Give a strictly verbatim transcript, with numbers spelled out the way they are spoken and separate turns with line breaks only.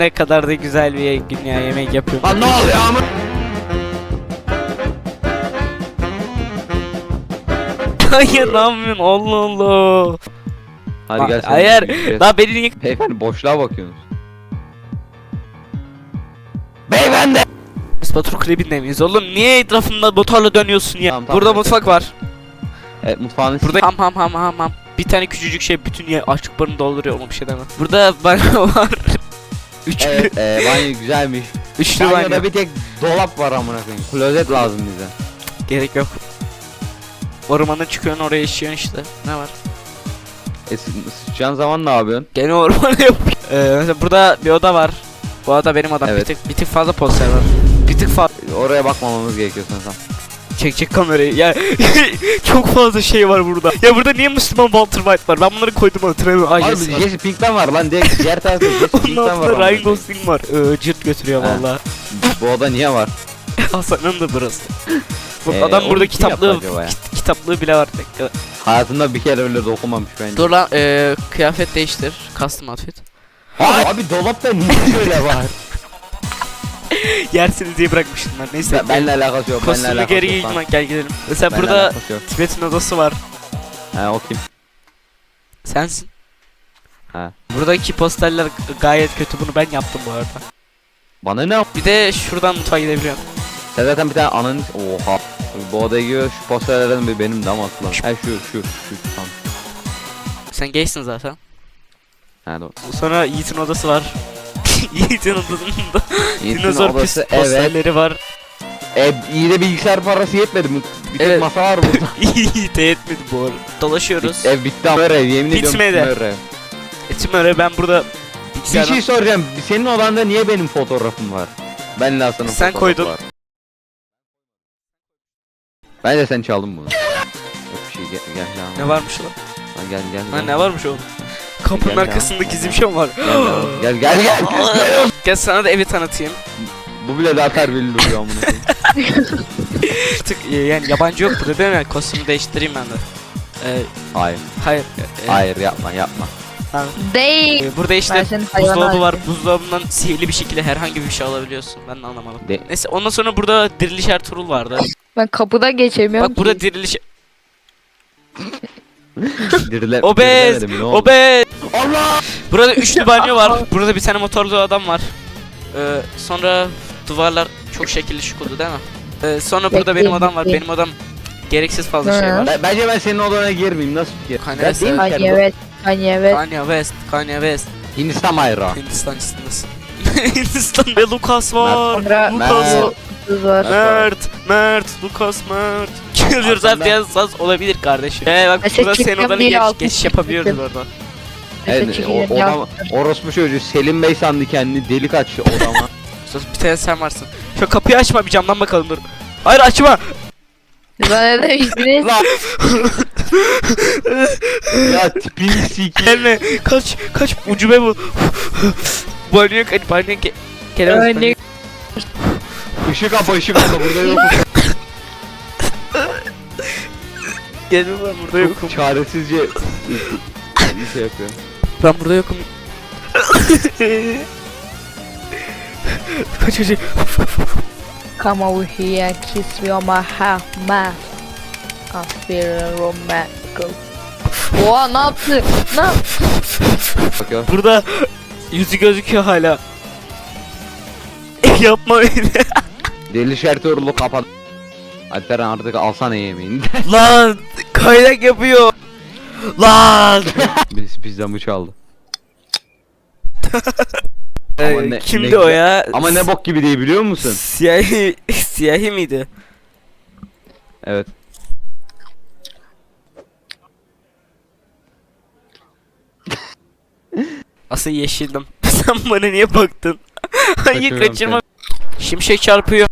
Ne kadar da güzel bir gün ya, yemek yapıyorum.
Lan ne oluyor ama?
Hayır, ne yapıyorsun? Allah Allah.
Hadi gel sen.
Hayır. Daha beni niye...
Beyefendi boşluğa bakıyorsunuz. Beyefendi.
Biz Batur Kulübü'nde miyiz oğlum? Niye etrafında motorla dönüyorsun ya?
Tamam, tamam,
Burada
evet.
mutfak var.
Evet mutfağın
Burada ham ham ham ham ham. Bir tane küçücük şey bütün yer açlıklarını dolduruyor, ama bir şey demem. Burada banyo var. Üçlü.
Evet e, banyo güzelmiş.
Üçlü banyo.
Banyoda bir tek dolap var amına koyayım. Klozet lazım bize.
Gerek yok. Ormana çıkıyorsun, oraya işiyorsun işte. Ne var?
E sı- sıçacağın zaman ne yapıyorsun?
Gene ormana yapıyor. Ee, mesela burada bir oda var. Bu oda benim odam.
Evet.
Bir tık bir tık fazla poster var. Bir tık fazla.
Oraya bakmamamız gerekiyor sanırsam.
Çek çek kamerayı. Ya çok fazla şey var burada. Ya burada niye Müslüman Walter White var? Ben bunları koydum hatırlamıyorum. Ay
Abi
yes var.
Jesse Pinkman var lan, diğer, diğer tarafta Jesse
Onun
Pinkman var.
altında
amına
Ryan
koyayım.
Gosling var. Ee, cırt götürüyor
Ha.
valla.
Bu oda niye var?
Hasan'ın da burası. Bu
Ee,
adam
onu
burada
kim
kitaplığı
yaptı acaba ya?
kit- kitaplığı bile var. Bekle.
Hayatımda bir kere öyle dokunmamış bence.
Dur lan, ee, kıyafet değiştir. Custom outfit.
Abi, abi dolapta niye şöyle var?
Yersiniz diye bırakmıştım ben. Neyse.
Ben, benimle alakası yok. Benimle
Kostümü
alakası
geri
yok.
giydim,
lan.
gel gidelim. Mesela
Benimle
burada
alakası yok.
Tibet'in odası var.
He o kim?
Sensin.
Ha.
Buradaki posterler g- gayet kötü, bunu ben yaptım bu arada.
Bana ne?
Bir de şuradan mutfağa gidebiliyorum.
Sen zaten bir tane ananı... Oha. Bu odaya giriyor, şu posterlerden bir benim de ama atılan. He şu şu şu tam.
Sen gaysin zaten.
He doğru.
Sonra Yiğit'in odası var. Yiğit'in odasında
Yiğit'in
dinozor pis
odası, evet.
posterleri var.
E, iyi de bilgisayar parası yetmedi mi? Bir tek
Evet.
masa var burada.
Yiğit'e yetmedi bu arada. Dolaşıyoruz.
Ev bitti ama ev, yemin ediyorum
Bitmedi.
bitmiyor ev.
Etim öyle, ben burada
Bir
bilgisayardan...
şey soracağım. Senin odanda niye benim fotoğrafım var? Ben Lasa'nın
Sen
fotoğrafı
koydun.
var. Bence sen çaldın bunu. Yok bir şey, gel gel
Ne
lan.
varmış lan?
Ha, gel gel.
Ha,
gel.
ne varmış oğlum? Kapının
Gel
arkasında
ya.
gizli bir şey mi var?
Gel gel gel. gel.
Gel sana da evi tanıtayım.
Bu bile daha terbiyeli duruyor amına koyayım.
Artık e, yani yabancı yok burada değil mi? Kostümü değiştireyim ben de. Ee,
Hayır.
hayır. e,
Hayır yapma yapma.
ha.
Değil.
E, burada işte
Ben senin hayvan
buzdolabı var.
ağacı.
Buzdolabından sihirli bir şekilde herhangi bir şey alabiliyorsun. Ben de anlamadım.
De
Neyse, ondan sonra burada diriliş Ertuğrul vardı.
Ben kapıda geçemiyorum
Bak burada
ki.
diriliş...
dirile,
Obez!
dirilemedim, ne oldu?
Obez!
Allah!
Burada üçlü banyo var. Burada bir tane motorlu adam var. Ee, sonra duvarlar çok şekilli şık oldu değil mi? Ee, sonra burada benim odam var. Benim odam gereksiz fazla şey
Hı.
var.
Ben, bence ben senin odana girmeyeyim, nasıl fikir?
Kanye
Ben
West,
değil mi
Kanye
Kerem?
evet. Kanye evet.
Kanye West, Kanye West.
Hindistan bayrağı.
Hindistan istinası. Hindistan'da Lucas var.
Sonra
Lucas
Mert.
var.
kız var.
Mert, Mert, Lucas Mert. Geliyoruz
Arkamda-
abi, biraz az olabilir kardeşim. Ee bak
Mesela
burada senin
çıkacağım
odana
diye
geç,
altı
geçiş
çıktım.
yapabiliyoruz orada.
Evet,
Mesela
o,
çekeceğim
odam,
ya.
orospu çocuğu Selim Bey sandı kendini, delik açtı odama.
Sus, bir tane sen varsın. Şu kapıyı açma, bir camdan bakalım dur. Hayır, açma.
Bana ne demiştiniz?
Lan! Ya tipini sikeyim.
Gelme, kaç, kaç, ucube bu. Banyo, banyo, ge gelemez.
Örnek.
Işık apa ışık apa burada yok.
Gelme, ben burada yokum.
Çok çaresizce bir şey yapıyor.
Ben burada yokum. Kaç kaç.
Come over here, kiss me on my half mouth. I feel romantic. Oha ne yaptı? Ne yaptı?
Bakıyor.
Burada yüzü gözüküyor hala. Yapma beni.
Deli şertörlü kapat. Alperen artık alsana yemeğini.
Lan kaynak yapıyor. Lan.
Biz pizzamı çaldı.
Ee,
Ama ne-
kimdi
ne
o
güzel-
ya?
Ama ne bok gibi değil biliyor musun?
Siyahi, siyahi miydi?
Evet.
Aslında yeşildim. Sen bana niye baktın? Hayır,
Kaçırıyorum
kaçırma. Şimşek çarpıyor.